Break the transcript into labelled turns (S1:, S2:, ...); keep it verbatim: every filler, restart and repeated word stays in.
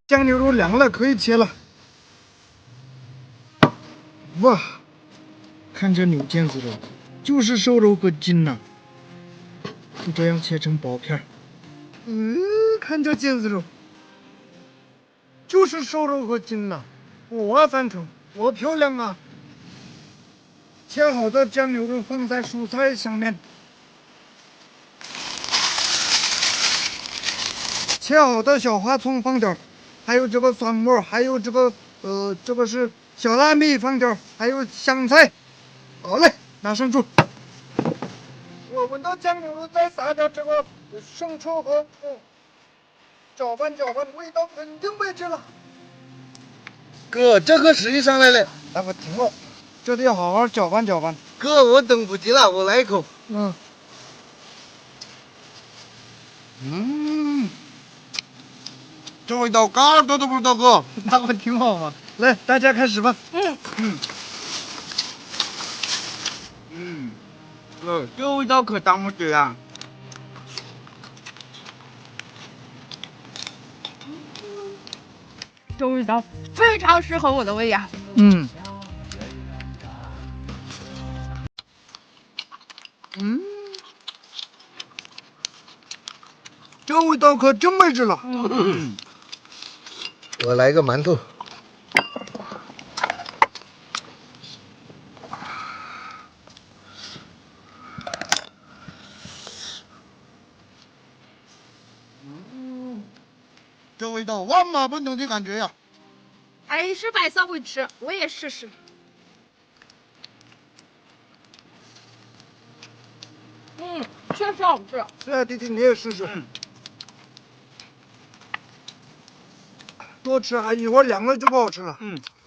S1: 酱牛肉凉了，可以切了。哇，看这牛腱子肉，就是瘦肉和筋呐、就这样切成薄片儿。嗯，看这腱子肉，就是瘦肉和筋呐、哇，三成，多漂亮啊！切好的酱牛肉放在蔬菜上面，切好的小花葱放点儿，还有这个蒜末，还有这个呃，这个是小辣米放点儿，还有香菜。好嘞，拿上桌。我闻到酱牛肉，再撒点这个生抽和嗯，搅拌搅拌，味道肯定没劲了。
S2: 哥，这可实际上来了。
S1: 哎，我停了，这得好好搅拌搅拌。
S2: 哥，我等不及了，我来一口。
S1: 嗯，
S2: 嗯，这味道嘎多都不知道，哥。
S1: 那不挺好吗？来，大家开始吧。
S2: 嗯嗯嗯，哥，这味道可当不起啊。
S3: 这味道非常适合我的胃呀。
S1: 嗯嗯，这味道可真没劲了。
S2: 嗯，我来个馒头。
S1: 嗯，这味道万马奔腾的感觉呀！
S3: 还是白色会吃，我也试试。嗯，确实好吃。
S1: 对啊，弟弟你也试试。
S2: 嗯
S1: 多吃还一会儿凉了就不好吃了。
S2: 嗯，